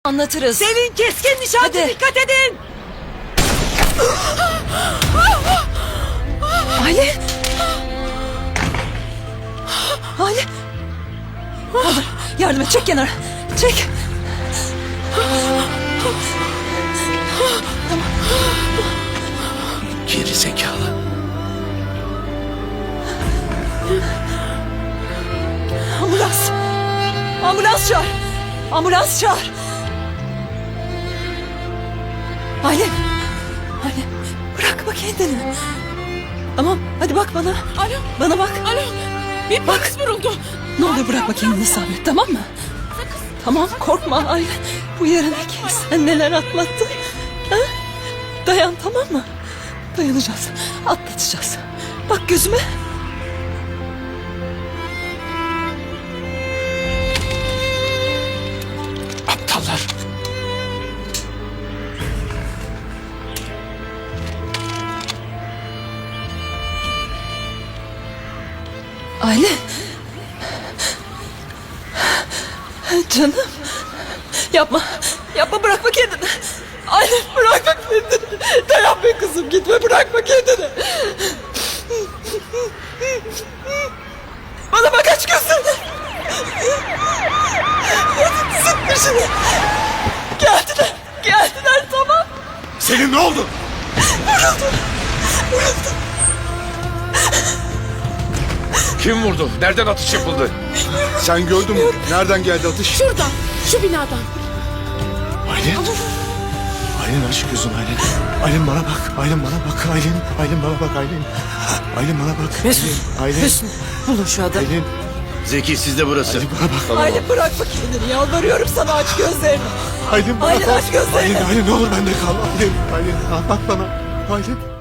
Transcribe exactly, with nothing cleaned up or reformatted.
Anlatırız. Selin keskin nişancı, Hadi. dikkat edin. Aile. Aile. Olur. Yardım et. Çek kenara. Çek. Geri zekalı. Ambulans. Ambulans çağır. Ambulans çağır. Aile. Aile. Bırakma kendini. Tamam. Hadi bak bana. Alo. Bana bak. Alo. Bir polis vuruldu. Ne olur bırakma kendini Sabret, tamam mı? Tamam, korkma Aile. Bu yarın kim sen neler atlattın? Ha? Dayan, tamam mı? Dayanacağız, atlatacağız. Bak gözüme. Aptallar. Aile. Canım. Yapma. Yapma, bırakma kendini. Aile, bırakma kendini. Dayan be kızım, gitme, bırakma kendini. Bana bak, aç gözlerini. Sık dişini. Geldiler. Geldiler, tamam. Senin ne oldu? Vuruldu. Vuruldu. Kim vurdu? Nereden atış yapıldı? Sen gördün mü? Nereden geldi atış? Şuradan, şu binadan. Aylin. Aylin aç gözünü Aylin. Aylin bana bak. Aylin bana bak. Aylin. Aylin bana bak Aylin. Aylin bana bak. Mesut. Aylin. Mesut. Bulun şu adamı. Aylin. Zeki sizde burası. Aylin bana bak. Aile, bırakma kendini. Yalvarıyorum sana, aç gözlerini. Aylin bana Aylin, bak. aç gözlerini. Aylin, Aylin ne olur bende kal. Aylin. Aylin. Bak bana. Aylin.